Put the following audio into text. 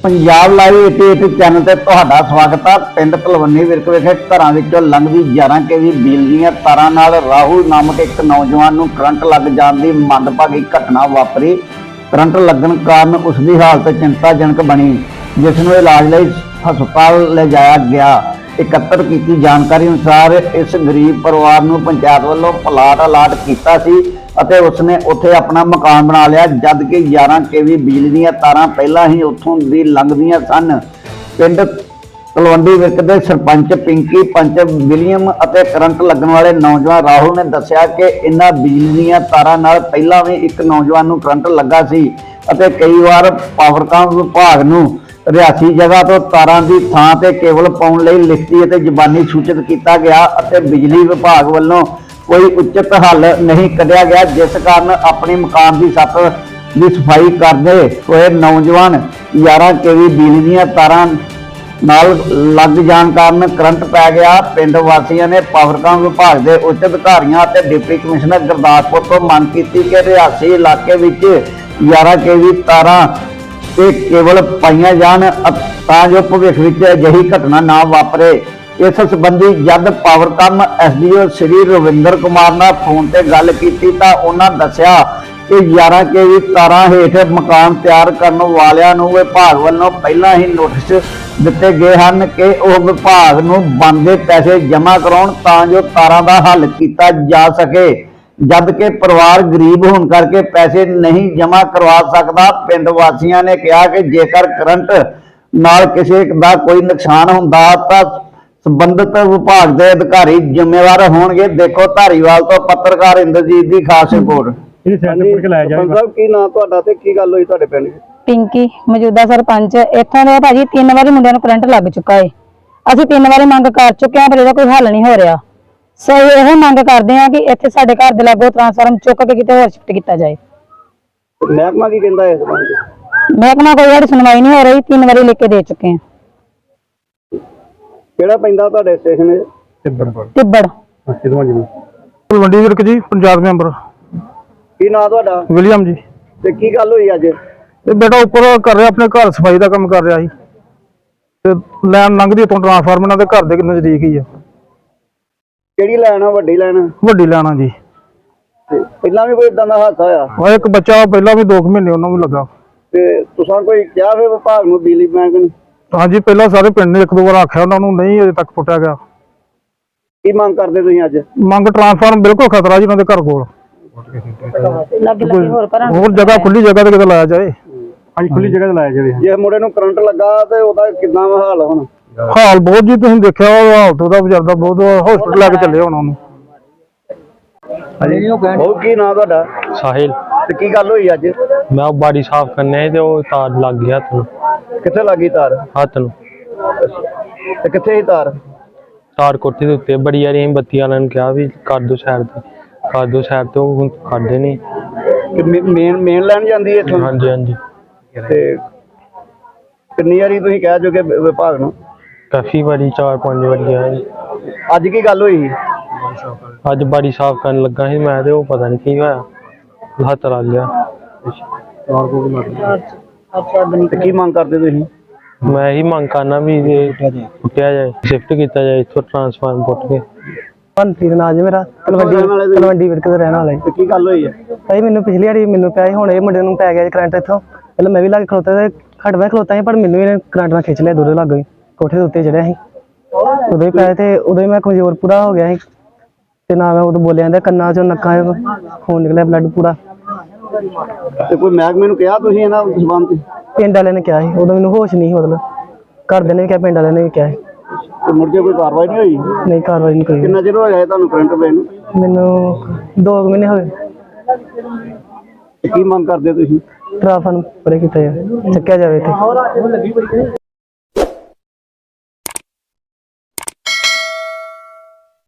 Punjab live 88 channel ਤੇ ਤੁਹਾਡਾ ਸਵਾਗਤ ਹੈ। ਪਿੰਡ ਤਲਵੰਡੀ ਵਿਰਕ ਵਿਖੇ ਘਰਾਂ ਵਿੱਚੋਂ ਲੰਘਦੀ 11 ਕੇਵੀ ਬਿਜਲੀ ਦੀਆਂ ਤਾਰਾਂ ਨਾਲ ਰਾਹੁਲ ਨਾਮਕ ਇੱਕ ਨੌਜਵਾਨ ਨੂੰ ਕਰੰਟ ਲੱਗ ਜਾਣ ਦੀ ਮੰਦਭਾਗੀ ਘਟਨਾ ਵਾਪਰੀ। ਕਰੰਟ ਲੱਗਣ ਕਾਰਨ ਉਸ ਦੀ ਹਾਲਤ ਚਿੰਤਾਜਨਕ ਬਣੀ, ਜਿਸ ਨੂੰ ਇਲਾਜ ਲਈ ਹਸਪਤਾਲ ਲਿਜਾਇਆ ਗਿਆ। ਇਕੱਤਰ ਕੀਤੀ ਜਾਣਕਾਰੀ ਅਨੁਸਾਰ ਇਸ ਗਰੀਬ ਪਰਿਵਾਰ ਨੂੰ ਪੰਚਾਇਤ ਵੱਲੋਂ ਪਲਾਟ ਅਲਾਟ ਕੀਤਾ ਸੀ ਅਤੇ ਉਸਨੇ ਉੱਥੇ ਆਪਣਾ ਮਕਾਨ ਬਣਾ ਲਿਆ, ਜਦ ਕਿ 11 ਕੇਵੀ ਬਿਜਲੀ ਦੀਆਂ ਤਾਰਾਂ ਪਹਿਲਾਂ ਹੀ ਉੱਥੋਂ ਦੀ ਲੰਘਦੀਆਂ ਸਨ। ਪਿੰਡ ਤਲਵੰਡੀ ਵਿਰਕ ਦੇ ਸਰਪੰਚ ਪਿੰਕੀ ਪੰਚ ਵਿਲੀਅਮ ਅਤੇ ਕਰੰਟ ਲੱਗਣ ਵਾਲੇ ਨੌਜਵਾਨ ਰਾਹੁਲ ਨੇ ਦੱਸਿਆ ਕਿ ਇਹਨਾਂ ਬਿਜਲੀ ਦੀਆਂ ਤਾਰਾਂ ਨਾਲ ਪਹਿਲਾਂ ਵੀ ਇੱਕ ਨੌਜਵਾਨ ਨੂੰ ਕਰੰਟ ਲੱਗਾ ਸੀ ਅਤੇ ਕਈ ਵਾਰ ਪਾਵਰਕਾਮ ਵਿਭਾਗ ਨੂੰ ਰਿਹਾਇਸ਼ੀ ਜਗ੍ਹਾ ਤੋਂ ਤਾਰਾਂ ਦੀ ਥਾਂ ਤੇ ਕੇਬਲ ਪਾਉਣ ਲਈ ਲਿਖਤੀ ਅਤੇ ਜ਼ਬਾਨੀ ਸੂਚਿਤ ਕੀਤਾ ਗਿਆ ਅਤੇ ਬਿਜਲੀ ਵਿਭਾਗ ਵੱਲੋਂ ਕੋਈ ਉਚਿਤ ਹੱਲ ਨਹੀਂ ਕੱਢਿਆ ਗਿਆ, ਜਿਸ ਕਾਰਨ ਆਪਣੇ ਮਕਾਨ ਦੀ ਛੱਤ ਦੀ ਸਫਾਈ ਕਰਦੇ ਹੋਏ ਨੌਜਵਾਨ 11 ਕੇਵੀ ਬਿਜਲੀ ਦੀਆਂ ਤਾਰਾਂ ਨਾਲ ਲੱਗ ਜਾਣ ਕਾਰਨ ਕਰੰਟ ਪੈ ਗਿਆ। ਪਿੰਡ ਵਾਸੀਆਂ ਨੇ ਪਾਵਰਕਾਮ ਵਿਭਾਗ ਦੇ ਉੱਚ ਅਧਿਕਾਰੀਆਂ ਅਤੇ ਡਿਪਟੀ ਕਮਿਸ਼ਨਰ ਗੁਰਦਾਸਪੁਰ ਤੋਂ ਮੰਗ ਕੀਤੀ ਕਿ ਰਿਹਾਇਸ਼ੀ ਇਲਾਕੇ ਵਿੱਚ 11 ਕੇਵੀ ਤਾਰਾਂ ਤੇ ਕੇਬਲ ਪਾਈਆਂ ਜਾਣ ਤਾਂ ਜੋ ਭਵਿੱਖ ਵਿੱਚ ਅਜਿਹੀ ਘਟਨਾ ਨਾ ਵਾਪਰੇ। ਇਸ ਸੰਬੰਧੀ ਜਦ ਪਾਵਰਕਾਮ ਐਸਡੀਓ ਸ੍ਰੀ ਰਵਿੰਦਰ ਕੁਮਾਰ ਨਾਲ ਫੋਨ ਤੇ ਗੱਲ ਕੀਤੀ ਤਾਂ ਉਹਨਾਂ ਦੱਸਿਆ ਕਿ 11 ਕੇਵੀ ਤਾਰਾਂ ਹੇਠ ਮਕਾਨ ਤਿਆਰ ਕਰਨ ਵਾਲਿਆਂ ਨੂੰ ਵਿਭਾਗ ਵੱਲੋਂ ਪਹਿਲਾਂ ਹੀ ਨੋਟਿਸ ਦਿੱਤੇ ਗਏ ਹਨ ਕਿ ਉਹ ਵਿਭਾਗ ਨੂੰ ਬਣਦੇ ਪੈਸੇ ਜਮ੍ਹਾਂ ਕਰਾਉਣ ਤਾਂ ਜੋ ਤਾਰਾਂ ਦਾ ਹੱਲ ਕੀਤਾ ਜਾ ਸਕੇ, ਜਦ ਕਿ ਪਰਿਵਾਰ ਗਰੀਬ ਹੋਣ ਕਰਕੇ ਪੈਸੇ ਨਹੀਂ ਜਮ੍ਹਾਂ ਕਰਵਾ ਸਕਦਾ। ਪਿੰਡ ਵਾਸੀਆਂ ਨੇ ਕਿਹਾ ਕਿ ਜੇਕਰ ਕਰੰਟ ਨਾਲ ਕਿਸੇ ਦਾ ਕੋਈ ਨੁਕਸਾਨ ਹੁੰਦਾ ਤਾਂ ਸੰਬੰਧਿਤ ਵਿਭਾਗ ਦੇ ਅਧਿਕਾਰੀ ਜ਼ਿੰਮੇਵਾਰ ਹੋਣਗੇ। ਦੇਖੋ ਧਾਰੀਵਾਲ ਤੋਂ ਪੱਤਰਕਾਰ ਇੰਦਰਜੀਤ ਦੀ ਖਾਸ ਰਿਪੋਰਟ। ਕੀ ਨਾਂ ਤੁਹਾਡਾ ਤੇ ਕੀ ਗੱਲ ਹੋਈ ਤੁਹਾਡੇ ਪਿੰਡ? ਪਿੰਕੀ ਮੌਜੂਦਾ ਸਰਪੰਚ ਇੱਥੋਂ ਦੇ ਭਾਜੀ 3 ਵਾਰੀ ਮੁੰਡਿਆਂ ਨੂੰ ਕਰੰਟ ਲੱਗ ਚੁੱਕਾ ਹੈ। ਅਸੀਂ 3 ਵਾਰੀ ਮੰਗ ਕਰ ਚੁੱਕੇ ਹਾਂ ਪਰ ਇਹਦਾ ਕੋਈ ਹੱਲ ਨਹੀਂ ਹੋ ਰਿਹਾ। ਸਹੀ ਇਹ ਮੰਗ ਕਰਦੇ ਹਾਂ ਕਿ ਇੱਥੇ ਸਾਡੇ ਘਰ ਦੇ ਲਾਗੋਂ ਟਰਾਂਸਫਾਰਮ ਚੁੱਕ ਕੇ ਕਿਤੇ ਹੋਰ ਸ਼ਿਫਟ ਕੀਤਾ ਜਾਏ। ਮਹਿਕਮਾ ਕੀ ਕਹਿੰਦਾ ਇਸ ਬਾਰੇ? ਮਹਿਕਮਾ ਕੋਈ ਸਾਡੀ ਸੁਣਵਾਈ ਨਹੀਂ ਹੋ ਰਹੀ, 3 ਵਾਰੀ ਲਿਖ ਕੇ ਦੇ ਚੁੱਕੇ ਹਾਂ। ਕਿਹੜਾ ਪੈਂਦਾ ਤੁਹਾਡੇ ਸਟੇਸ਼ਨ? ਤਿੱਬੜ ਤਲਵੰਡੀ ਵਿਰਕ ਜੀ, ਪੰਚਾਇਤ ਮੈਂਬਰ। ਕੀ ਨਾਂ ਤੁਹਾਡਾ? ਵਿਲੀਅਮ ਜੀ। ਤੇ ਕੀ ਗੱਲ ਹੋਈ ਅੱਜ? ਇਹ ਬੇਟਾ ਉੱਪਰ ਕਰ ਰਿਹਾ, ਆਪਣੇ ਘਰ ਸਫਾਈ ਦਾ ਕੰਮ ਕਰ ਰਿਹਾ ਸੀ ਤੇ ਲਾਈਨ ਲੰਘਦੀ ਉੱਥੋਂ ਟਰਾਂਸਫਾਰਮਰ ਨਾਲ, ਦੇ ਘਰ ਦੇ ਨਜ਼ਦੀਕ ਹੀ ਆ। ਕਿਹੜੀ ਲਾਈਨ ਆ? ਵੱਡੀ ਲਾਈਨ? ਵੱਡੀ ਲਾਈਨ ਆ ਜੀ। ਪਹਿਲਾਂ ਵੀ ਕੋਈ ਇਦਾਂ ਦਾ ਹਾਦਸਾ ਹੋਇਆ? ਉਹ ਇੱਕ ਬੱਚਾ ਪਹਿਲਾਂ ਵੀ 2 ਮਹੀਨੇ ਉਹਨੂੰ ਵੀ ਲੱਗਾ। ਤੇ ਤੁਸੀਂ ਕੋਈ ਕਿਹਾ ਫਿਰ ਵਿਭਾਗ ਨੂੰ, ਬਿਜਲੀ ਬੈਂਕ ਨੂੰ? ਹਾਂਜੀ, ਪਹਿਲਾਂ ਸਾਰੇ ਪਿੰਡ ਨੇ 1-2 ਵਾਰ ਆਖਿਆ, ਉਹਨਾਂ ਨੂੰ ਨਹੀਂ ਅਜੇ ਤੱਕ ਪੁੱਟਿਆ ਗਿਆ। ਕੀ ਮੰਗ ਕਰਦੇ ਤੁਸੀਂ ਅੱਜ? ਮੰਗ ਟਰਾਂਸਫਾਰਮ ਬਿਲਕੁਲ ਖਤਰਾ ਜੀ ਉਹਨਾਂ ਦੇ ਘਰ ਕੋਲ। ਹੋਰ ਜਗ੍ਹਾ, ਖੁੱਲੀ ਜਗ੍ਹਾ ਤੇ ਕਿਤੇ ਲਾਇਆ ਜਾਏ। ਹਾਂਜੀ, ਖੁੱਲੀ ਜਗ੍ਹਾ ਤੇ ਲਾਇਆ ਜਾਵੇ। ਜੇ ਮੁੰਡੇ ਨੂੰ ਕਰੰਟ ਲੱਗਾ ਤੇ ਉਹਦਾ ਕਿੰਨਾ ਹਾਲ ਹੁਣ? ਹਾਲ ਬਹੁਤ ਜੀ, ਤੁਸੀਂ ਦੇਖਿਆ ਹਾਲਤ ਉਹਦਾ ਵਿਚਾਰਦਾ ਬਹੁਤ। ਹਸਪਤਾਲ ਲੈ ਕੇ ਚੱਲੇ ਹੁਣ ਉਹਨੂੰ। ਉਹ ਕੀ ਨਾਂ ਤੁਹਾਡਾ? ਸਾਹਿਲ। ਤੇ ਕੀ ਗੱਲ ਹੋਈ ਅੱਜ? मैं बाड़ी साफ करने ते वो तार लग गया हथ नूं। ਕਿੱਥੇ ਲੱਗੀ ਤਾਰ? हथ नूं। ਤੇ ਕਿੱਥੇ ਹੀ ਤਾਰ? तार कोठी दे उत्ते बड़ी यार बत्ती वाले ने कहा भी कर दो साइड ते, कर दो साइड ते वो करदे नहीं। ਮੇਨ ਲਾਈਨ ਜਾਂਦੀ ਹੈ ਇੱਥੋਂ? हाँ जी हाँ जी। ਤੇ ਕਿੰਨੀ ਵਾਰੀ ਤੁਸੀਂ ਕਹਿ ਚੁੱਕੇ ਵਿਭਾਗ ਨੂੰ? काफी बारी 4-5 बारी आया। ਅੱਜ ਕੀ ਗੱਲ ਹੋਈ? अज बाड़ी साफ करन लगा सी मैं ते वो पता नहीं की होया, हथ लग गया। ਤੇ ਕੀ ਮੰਗ ਕਰਦੇ ਤੁਸੀਂ? मैं ही मंग करना भी पुट्टिया जाए, शिफ्ट किया जाए इत्थों ट्रांसफार्म पुट के। ਭੰਤੀ ਦਾ ਨਾਮ ਮੇਰਾ, ਤਲਵੰਡੀ ਵਿਰਕ ਦਾ ਰਹਿਣ ਵਾਲਾ ਹੈ। ਤੇ ਕੀ ਗੱਲ ਹੋਈ ਹੈ? ਭਾਈ ਮੈਨੂੰ ਪਿਛਲੀ ਵਾਰੀ ਮੈਨੂੰ ਪਿਆ ਸੀ, ਹੁਣ ਇਹ ਮੁੰਡੇ ਨੂੰ ਪੈ ਗਿਆ ਕਰੰਟ ਇੱਥੋਂ। ਪਹਿਲਾਂ ਮੈਂ ਵੀ ਲੱਗ ਖਲੋਤਾ ਤੇ ਖੜਵਾ ਖਲੋਤਾ ਸੀ, ਪਰ ਮੈਨੂੰ ਇਹਨੇ ਕਰੰਟ ਨਾਲ ਖਿੱਚ ਲਿਆ, ਦੂਰੋਂ ਲੱਗ ਗਈ। ਕੋਠੇ ਦੇ ਉੱਤੇ ਚੜਿਆ ਸੀ, ਉਦੋਂ ਹੀ ਪਿਆ ਤੇ ਉਦੋਂ ਹੀ ਮੈਂ ਕਮਜ਼ੋਰ ਪੂਰਾ ਹੋ ਗਿਆ ਸੀ ਤੇ ਨਾ ਮੈਂ ਉਦੋਂ ਬੋਲਿਆ ਜਾਂਦਾ, ਕੰਨਾਂ ਚੋਂ ਨੱਕਾਂ ਚੋਂ ਖੂਨ ਨਿਕਲਿਆ, ਬਲੱਡ ਪੂਰਾ। ਤੇ ਕੋਈ ਮਹਿਕਮੇ ਨੂੰ ਕਿਹਾ ਤੁਸੀਂ ਇਹਨਾਂ ਸੰਬੰਧ ਚ? ਪਿੰਡ ਵਾਲਿਆਂ ਨੇ ਕਿਹਾ ਸੀ, ਉਦੋਂ ਮੈਨੂੰ ਹੋਸ਼ ਨਹੀਂ ਸੀ, ਮਤਲਬ ਘਰਦਿਆਂ ਨੇ ਵੀ ਕਿਹਾ, ਪਿੰਡ ਵਾਲਿਆਂ ਨੇ ਵੀ ਕਿਹਾ ਸੀ। ਤੇ ਮੁੜ ਕੇ ਕੋਈ ਕਾਰਵਾਈ ਨਹੀਂ ਹੋਈ? ਨਹੀਂ, ਕਾਰਵਾਈ ਨਹੀਂ ਕੋਈ। ਕਿੰਨਾ ਚਿਰ ਹੋ ਗਿਆ ਤੁਹਾਨੂੰ ਕਰੰਟ ਪਏ ਨੂੰ? ਮੈਨੂੰ 2 ਮਹੀਨੇ ਹੋਏ। ਕੀ ਮੰਗ ਕਰਦੇ ਤੁਸੀਂ? ਟਰਾਂਸਫਾਰਮ ਪਰੇ ਕੀਤਾ ਜਾਵੇ, ਚੱਕਿਆ ਜਾਵੇ ਇੱਥੇ।